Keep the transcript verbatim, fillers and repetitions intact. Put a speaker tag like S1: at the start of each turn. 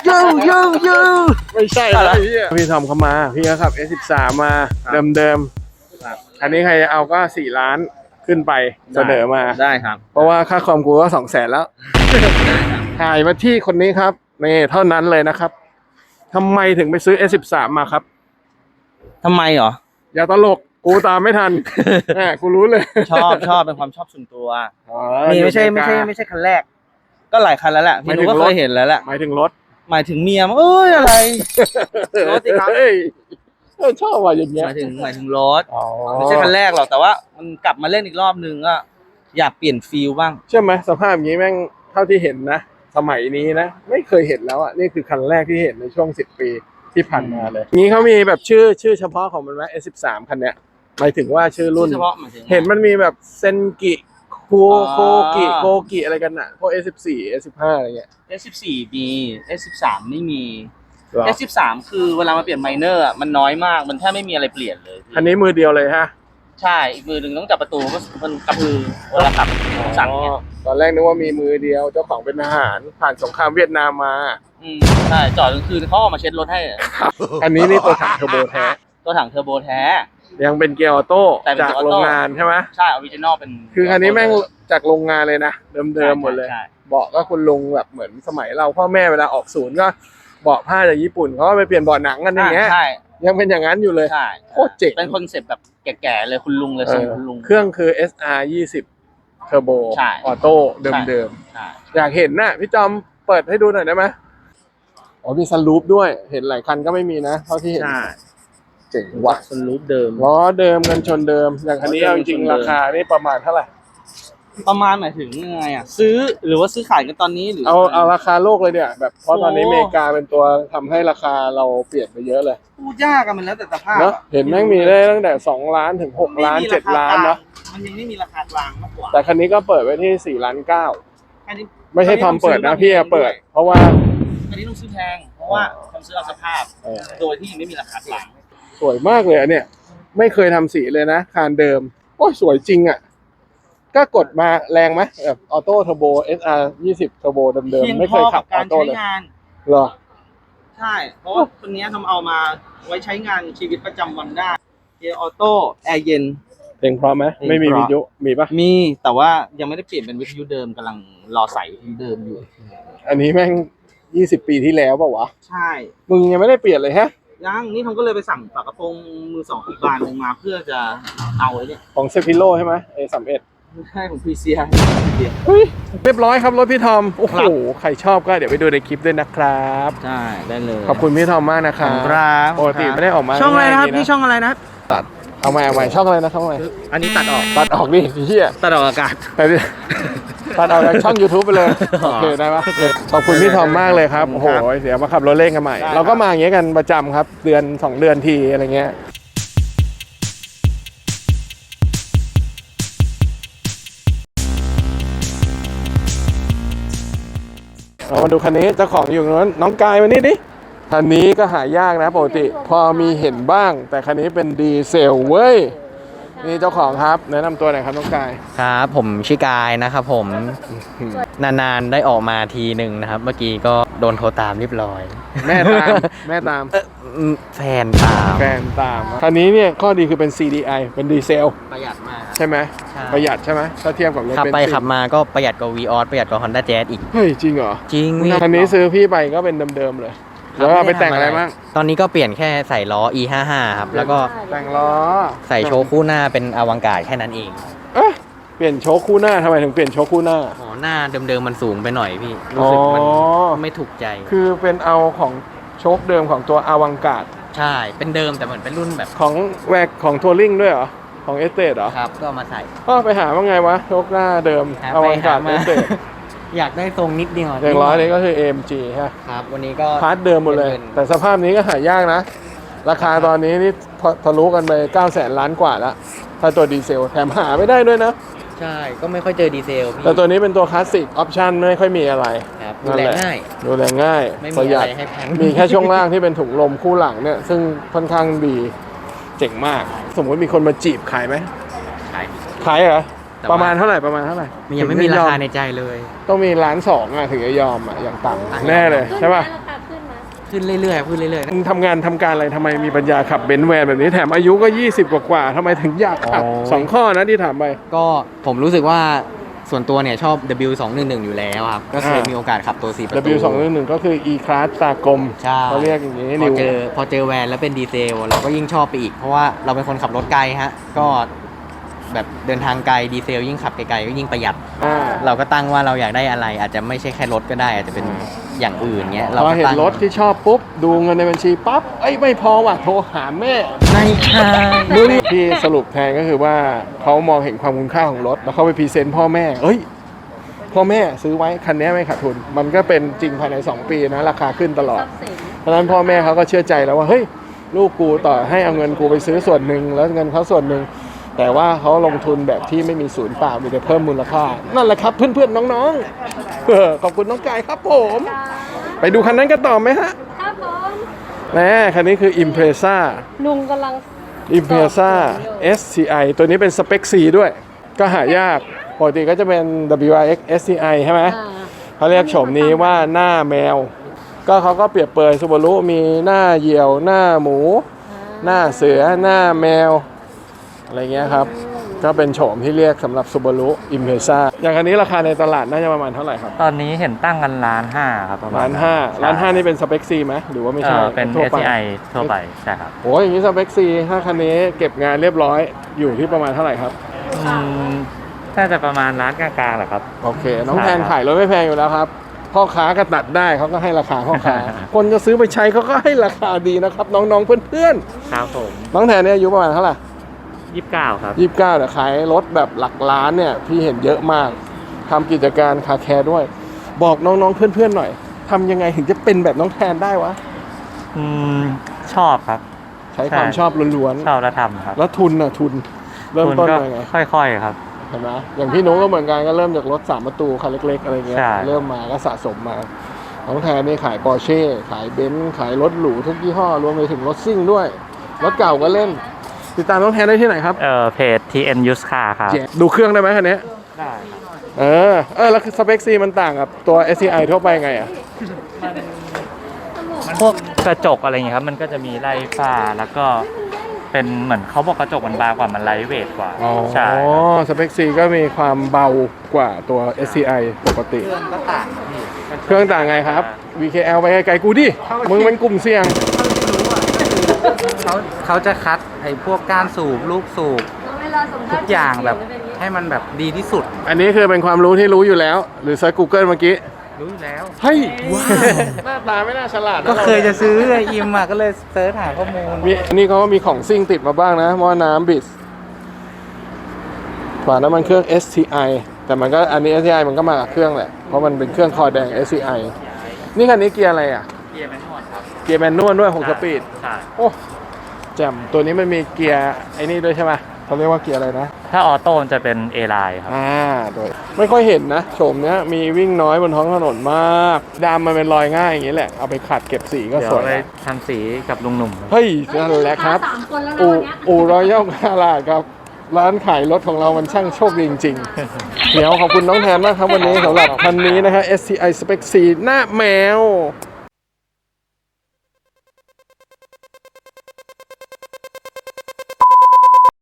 S1: ยูยูยูไม่ใช่แล้วพี่พี่ทอมเขามาพี่เขาขับ เอส สิบสาม มาเดิมๆอันนี้ใครจะเอาก็สี่ล้านขึ้นไปเสนอมา
S2: ได้ครับ
S1: เพราะว่าค่าคอมกูก็สองแสนแล้วถ่ายมาที่คนนี้ครับนี่เท่านั้นเลยนะครับทำไมถึงไปซื้อ เอส สิบสาม มาครับ
S2: ทำไมเหรอ
S1: อย่าตลกกูตามไม่ทันแหมกูรู้เลย
S2: ชอบชอบเป็นความชอบส่วนตัวนี่ไม่ใช่ไม่ใช่ไม่ใช่คันแรกก็หลายคันแล้วแหละพี่นุก็เคยเห็นแล้วแหละ
S1: หมายถึงรถ
S2: หมายถึงเมียเอ้ยอะไรรถสิครับ
S1: ชอบว่าอย่างเงี้ย
S2: หมายถึงหมายถึงรถไม่ใช่คันแรกหรอกแต่ว่ามันกลับมาเล่นอีกรอบนึงอะอยากเปลี่ยนฟีลบ้าง
S1: ใช่ไหมสภาพอย่างนี้แม่งเท่าที่เห็นนะสมัยนี้นะไม่เคยเห็นแล้วอ่ะนี่คือคันแรกที่เห็นในช่วงสิบปีที่ผ่านมาเลยนี้เขามีแบบชื่อชื่อเฉพาะของมันไหม เอส สิบสาม คันเนี้ยหมายถึงว่าชื่อรุ่นเห็นมันมีแบบเซนกิโคโคกิโกกิอะไรกันอ่ะพวก เอส สิบสี่ เอส สิบห้า อะไรเงี้ย
S2: เอส สิบสี่ มี เอส สิบสาม ไม่มี เอส สิบสาม คือเวลามาเปลี่ยนไมเนอร์อ่ะมันน้อยมากมันแทบไม่มีอะไรเปลี่ยนเลย
S1: อันนี้มือเดียวเลยฮะ
S2: ใช่อีกมือหนึ่งต้องจับประตูก็มันกระพือเวลาขับสั่งเนี่ย
S1: ตอนแรกนึกว่ามีมือเดียวเจ้าของเป็นทหารผ่านสงครามเวียดนามมา
S2: อืมใช่จอดกลางคืนเขาเอามาเช็ดรถให้
S1: อันนี้นี่ตัวถังเทอร์โบแท้
S2: ตัวถังเทอร์โบแท้
S1: ยังเป็นเกียร์ออโต้จากโรงงานใช่ไหม
S2: ใช่ออริจินอลเป็น
S1: คือคันนี้แม่งจากโรงงานเลยนะเดิมๆหมดเลยเบาะก็คุณลุงแบบเหมือนสมัยเราพ่อแม่เวลาออกศูนย์ก็เบาะผ้าจากญี่ปุ่นเขาก็ไปเปลี่ยนเบาะหนังกันอย่างเงี้ยยังเป็นอย่างนั้นอยู่เลยโคตรเจ๋ง
S2: เป็นคอนเซ็ปต์แบบแก่ๆเลยคุณลุงเลยทรงคุณลุง
S1: เครื่องคือ เอส อาร์ ยี่สิบ เทอร์โบออโต้เดิมๆอยากเห็นน่ะพี่จอมเปิดให้ดูหน่อยได้ไหมอ๋อมีซันรูฟด้วยเห็นหลายคันก็ไม่มีนะเท่าที่เห็นเจ๋งว่ะ
S2: ซันรูฟเดิม
S1: ล้อเดิมกันชนเดิมอย่างคันนี้เอาจริงๆราคานี่ประมาณเท่าไหร่
S2: ประมาณหมายถึงยังไงอ่ะซื้อหรือว่าซื้อขายกันตอนนี้หรือ
S1: เอาเอาราคาโลกเลยเนี่ยแบบเพราะตอนนี้อเมริกาเป็นตัวทำให้ราคาเราเปลี่ยนไปเยอะเลย
S2: พูดยากอะมันแล้วแต่สภาพ
S1: เนาะเห็นแม่งมีได้ตั้งแต่สองล้านถึงหกล้านเจ็ดล้านเนาะ
S2: มันยังไม่มีราคากลางมากกว่า
S1: แต่คันนี้ก็เปิดไว้ที่สี่ล้านเก้าไม่ใช่ทอมเปิดนะพี่เปิดเพราะว่า
S2: อันนี้ต้องซื้อแพงเพราะว่าทำซื้อเอาสภาพโดยที่ยังไม่มีราคากลาง
S1: สวยมากเลยเนี่ยไม่เคยทำสีเลยนะคานเดิมโอ้ยสวยจริงอ่ะก็กดมาแรงไหมแบบออโต้เทอร์โบ เอส อาร์ ยี่สิบ เทอร์โบเดิมๆไม่เคยขับออโต้เลยเหรอ
S2: ใช่เพราะว่าตัวนี้ทำเอามาไว้ใช้งานชีวิตประจำวันได้เกียร์ออโต้แอร์เย็น
S1: เพลงพร้อมไหมไม่มีวิทยุมีปะ
S2: มีแต่ว่ายังไม่ได้เปลี่ยนเป็นวิทยุเดิมกำลังรอใส่เดิมอยู่
S1: อันนี้แม่งยี่สิบปีที่แล้วป่ะวะ
S2: ใช่
S1: มึงยังไม่ได้เปลี่ยนเลยฮะ
S2: ยังนี่ผมก็เลยไปสั่งฝากระโปรงมือสองอีกบานหนึ่งมาเพื่อจะเอาไอ้นี่
S1: ของเซฟิโลใช่ไหมเอสามเอ็ด
S2: ใช่ของพีเซีย
S1: เรียบร้อยครับรถพี่ทอมโอ้โหใครชอบก็เดี๋ยวไปดูในคลิปด้วยนะครับ
S2: ใช่ได้เลย
S1: ขอบคุณพี่ทอมมากนะครับปกติไม่ได้ออกมา
S2: ช่องอะไรนะครับนี่ช่องอะไรนะ
S1: ตัดเอาใหม่เอาใหม่ช่องอะไรนะช่องอะไร
S2: อันนี้ตัดออก
S1: ตัดออกนี่เหี้ย
S2: ตัดออกอากาศ
S1: ตัดตัดออกจากช่อง ยูทูบ ไปเลยโอเคได้ปะขอบคุณพี่ทอมมากเลยครับโอ้โหเดี๋ยวมาขับรถเล่นกันใหม่เราก็มาอย่างเงี้ยกันประจำครับเดือนสองเดือนทีอะไรเงี้ยเรามาดูคันนี้เจ้าของอยู่ตรงนั้นน้องกายมานี่ดิคันนี้ก็หายากนะปกติพอมีเห็นบ้างแต่คันนี้เป็นดีเซลเว้ยนี่เจ้าของครับแนะนำตัวหน่อยครับน้องกาย
S3: ครับผมชื่อกายนะครับผมนานๆได้ออกมาทีหนึ่งนะครับเมื่อกี้ก็โดนโทรตามเรียบร้อย
S1: แม่ตามแม่ตาม
S3: แฟนตาม
S1: แฟนตามคันนี้เนี่ยข้อดีคือเป็น ซี ดี ไอ เป็นดีเซล
S2: ประหยัดมาก
S1: ใช่ไหมประหยัดใช่ไหมถ้าเทียบกับรถ
S3: ขับไปขับมาก็ประหยัดกว่า วี ออส ประหยัดกว่า Honda Jazz อีก
S1: เฮ้ยจริงเหรอ
S3: จริง
S1: คันนี้ซื้อพี่ไปก็เป็นเดิมๆเลยแล้วไปแต่งอะไรบ้าง
S3: ตอนนี้ก็เปลี่ยนแค่ใส่ล้อ อี ห้าสิบห้า ครับแล้วก็
S1: แต่งล้อ
S3: ใส่โชว์คู่หน้าเป็นอวังการแค่นั้นเอง
S1: เอ๊ะเปลี่ยนโชว์คู่หน้าทำไมถึงเปลี่ยนโชว์คู่หน้า
S3: อ๋อหน้าเดิมๆมันสูงไปหน่อยพี่รู้สึกมันไม่ถูกใจ
S1: คือเป็นเอาของโชคเดิมของตัวอวังการ
S3: ใช่เป็นเดิมแต่เหมือนเป็นรุ่นแบบ
S1: ของแวกของทัวริงด้วยเหรอของเอสเตดเหรอ
S3: ครับก็มาใส่
S1: ก็ไปหาว่าไงวะโชคหน้าเดิมอวังการเอสเตด
S3: อยากได้ทรงนิดเดียว
S1: อย่างร้อยนี้ก็คือ เอ็ม จี ใช่
S3: ครับวันนี้ก็
S1: พาร์ทเดิมหมดเลยแต่สภาพนี้ก็หายากนะราคาตอนนี้นี่ทะลุกันไปเก้าแสนล้านกว่าแล้วถ้าตัวดีเซลแถมหาไม่ได้ด้วยนะ
S3: ใช่ก็ไม่ค่อยเจอดีเซลพี่
S1: แต่ตัวนี้เป็นตัวคลาสสิกออปชั่นไม่ค่อยมีอะไร
S3: ครับดูแลง่าย
S1: ดูแลง่าย
S3: ไม่มีอะไรให้แพง
S1: มีแค่ช่วงล่างที่เป็นถุงลมคู่หลังเนี่ยซึ่งค่อนข้างดีเจ๋งมากสมมติมีคนมาจีบขายไหม
S3: ขาย
S1: ขายเหรอประมาณเท่าไหร่ประมาณเท่าไหร่
S3: มันยังไม่มีราคาในใจเลย
S1: ต้องมีล้านสองอ่ะถึงจะยอมอ่ะอย่างต่ำแน่เลยใช่ป่ะ
S3: ขึ้นเรื่อยๆขึ้นเรื่อย
S1: มึงทำงานทำการอะไรทำไมมีปัญญาขับเบนซ์แวนแบบนี้แถมอายุก็ยี่สิบกว่าๆทำไมถึงอยากขับ
S3: โอ้ย
S1: สองข้อนะที่ถามไป
S3: ๆก็ผมรู้สึกว่าส่วนตัวเนี่ยชอบ ดับเบิลยู สองหนึ่งหนึ่ง อยู่แล้วครับ ก็เคย
S1: อ่ามี
S3: มีโอกาสขับตัวสี่ประตู
S1: ดับเบิลยู สองหนึ่งหนึ่งก็คือ E-Class ตากลม
S3: ใช่
S1: เขาเรียกอย่างนี้
S3: พอ
S1: นิว
S3: เจอพอเจอแวนแล้วเป็นดีเซลเราก็ยิ่งชอบไปอีก เพราะว่าเราเป็นคนขับรถไกลฮะ ก็แบบเดินทางไกลดีเซลยิ่งขับไกลๆก็ยิ่งประหยัด
S1: อ่า
S3: เราก็ตั้งว่าเราอยากได้อะไร อาจจะไม่ใช่แค่รถก็ได้ อาจจะเป็นอย่างอื่นเงี้ยเรา
S1: พอ
S3: ก็
S1: เห็น
S3: ตั้ง
S1: รถที่ชอบปุ๊บ ดูเงินในบัญชีปั๊บเอ้ยไม่พอว่ะโทรหาแม่
S3: ไม่ใช่
S1: มึงที่สรุปแทนก็คือว่าเขามองเห็นความคุณค่าของรถ แล้วเขาไปพรีเซนต์พ่อแม่เอ้ยพ่อแม่ซื้อไว้คันนี้ไม่ขาดทุน มันก็เป็นจริงภายในสองปีนะราคาขึ้นตลอด เพราะฉะนั้นพ่อแม่เขาก็เชื่อใจแล้วว่าเฮ้ยลูกกูต่อให้เอาเงินกูไปซื้อส่วนหนึ่งแล้วเงินเขาส่วนหนึ่งแต่ว่าเขาลงทุนแบบที่ไม่มีศูนย์เปล่ามีแต่เพิ่มมูลค่านั่นแหละครับเพื่อนๆน้องๆเออขอบคุณน้องกายครับผม ไปดูคันนั้นกันต่อไหมฮะ
S4: ครับผม
S1: แน่คันนี้คือ Impreza
S4: ลุงกำลัง
S1: Impreza เอส ที ไอ ตัวนี้เป็นสเปค C ด้วย ก็หายากปกติก็จะเป็น ดับเบิลยู อาร์ เอ็กซ์ เอส ที ไอ ใช่ไหม
S4: อ่า
S1: เขาเรียกโฉมนี้ว่าหน้าแมว ก็เขาก็เปรียบเปรยซูบารุมีหน้าเหยี่ยว หน้าหมู หน้าเสือ หน้าแมว อะไรเงี้ยครับ ก็เป็นโฉมที่เรียกสำหรับซูบารุ Impreza อย่างอันนี้ราคาในตลาดน่าจะประมาณเท่าไหร่ครับ
S5: ตอนนี้เห็นตั้งกันล้านห้าครับประมาณ
S1: ล้านห้าล้านห้านี่เป็นสเปค C ไหมหรือว่าไม่
S5: เอ
S1: ใช่
S5: อเป็น
S1: ทั่ว
S5: เอส
S1: ไป
S5: ซี ไอ ทั่วไปใช่ครับ
S1: โอ้ยอย่างนี้สเปค C ถ้าคันนี้เก็บงานเรียบร้อยอยู่ที่ประมาณเท่าไหร่ครับ
S5: อืมน่าจะประมาณล้านกลางๆแหละครับ
S1: โอเค น้อง
S5: ใช่
S1: แทน
S5: ครับ
S1: ขายรถไม่แพงอยู่แล้วครับ พ่อค้าก็ตัดได้เขาก็ให้ราคาพ่อค้า คนจะซื้อไปใช้เขาก็ให้ราคาดีนะครับ น้องๆเพื่อน
S5: ครับผม
S1: ๆ น้องแทนเนี่ยอายุประมาณเท่าไหร่
S5: ยี่สิบเก้าครับ
S1: ยี่สิบเก้าแต่ขายรถแบบหลักล้านเนี่ยพี่เห็นเยอะมากทำกิจการคาแคร์ด้วย บอกน้องๆเพื่อนๆหน่อยทำยังไงถึงจะเป็นแบบน้องแทนได้วะ
S5: อืมชอบครับ
S1: ใช้ความ
S5: ใช่
S1: ชอบล้วน
S5: ชอบแล้วทำครับ
S1: ๆแล้วทุนน่ะทุนเริ่ม
S5: คุณ
S1: ต้น
S5: ก็
S1: ยังไง
S5: ค่อยๆครับ
S1: เห็นไหมอย่างพี่นุ้งก็เหมือนกันก็เริ่มจากรถสามประตูคันเล็กๆอะไรเงี้ย
S5: ใช่
S1: เริ่มมาก็สะสมมาน้องแทนนี่ขายปอร์เช่ขายเบนซ์ขายรถหรูทุกยี่ห้อรวมไปถึงรถซิ่งด้วย รถเก่าก็เล่น ติดตามน้องแทนได้ที่ไหนครับ
S5: เอ่อเพจ ที เอ็น Used Car ครับ
S1: เจ๊ดูเครื่องได้ไหมคันนี้
S5: ได้ครับ
S1: เออเออแล้วสเปคซีมันต่างกับตัว เอส ซี ไอ ทั่วไปไงอ่ะ
S5: พวกกระจกอะไรอย่างเงี้ยครับ มันก็จะมีไล่ฝ้าแล้วก็เป็นเหมือนเขาบอกกระจกมันบางกว่ามันไลท์เวทกว่า
S1: อ๋อ
S5: ใช่ครับ
S1: สเปคซีก็มีความเบากว่าตัว เอส ซี ไอ ปกติ
S3: เครื่องก็ต่างพี่
S1: เครื่องต่างไงครับ วี เค แอล ไปไกลๆกูดิ มึงเป็นกลุ่มเสี่ยง
S6: เขาเขาจะคัดไอ้พวกก้านสูบลูกสูบ
S4: เวลาสัมภาษณ์
S6: ทุกอย่างแบบ
S4: จะเป็นอย่างนี้
S6: ให้มันแบบดีที่สุด
S1: อันนี้คือเป็นความรู้ที่รู้อยู่แล้ว หรือเซิร์ช Google เมื่อกี้
S6: รู้อยู่แล้ว
S1: เฮ้ยหน้าตาไม่น่าฉลาดน
S6: ก็เคย
S1: รา
S6: จะซื้อไอ้อิมอ่ะก็เลยเซิร์ชหาข้อมูล
S1: มีอันนี้เขาก็มีของซิ่งติดมาบ้างนะหม้อน้ำบิสฝาน้ำมันเครื่อง เอส ที ไอ แต่มันก็อันนี้ เอส ที ไอ มันก็มากับเครื่องแหละ เพราะมันเป็นเครื่องคอแดง เอส ที ไอ นี่คันนี้เกียร์อะไรอ่ะ
S5: เกียร์แมนนวลครับ
S1: เกียร์แมนนวลด้วยหกสปีด
S5: ใช่
S1: โอ้แจ่มตัวนี้มันมีเกียร์ไอ้นี่ด้วยใช่ไหมเขาเรียกว่าเกียร์อะไรนะ
S5: ถ้าออโต้จะเป็น A line ครับ
S1: อ่าโดยไม่ค่อยเห็นนะโฉมเนี้ยมีวิ่งน้อยบนท้องถนนมากดำมันเป็นรอยง่ายอย่างนี้แหละ เอาไปขัดเก็บสีก็
S5: เดี๋ย
S1: ส
S5: ว
S1: วย
S5: ไป
S1: นะ
S5: ทำสีกับลุงหนุ่มครับ
S1: เฮ้ยนั่นแหละครับ
S4: สามคนแล้วนะ
S1: อู
S4: วันเนี้ย
S1: อูรอยัลคาราครับ ร้านขายรถของเรามันช่างโชคดีจริงๆ เดี๋ยวขอบคุณน้องแทนมากครับวันนี้สำหรับคันนี้นะฮะ เอส ที ไอ Spec สี่หน้าแมว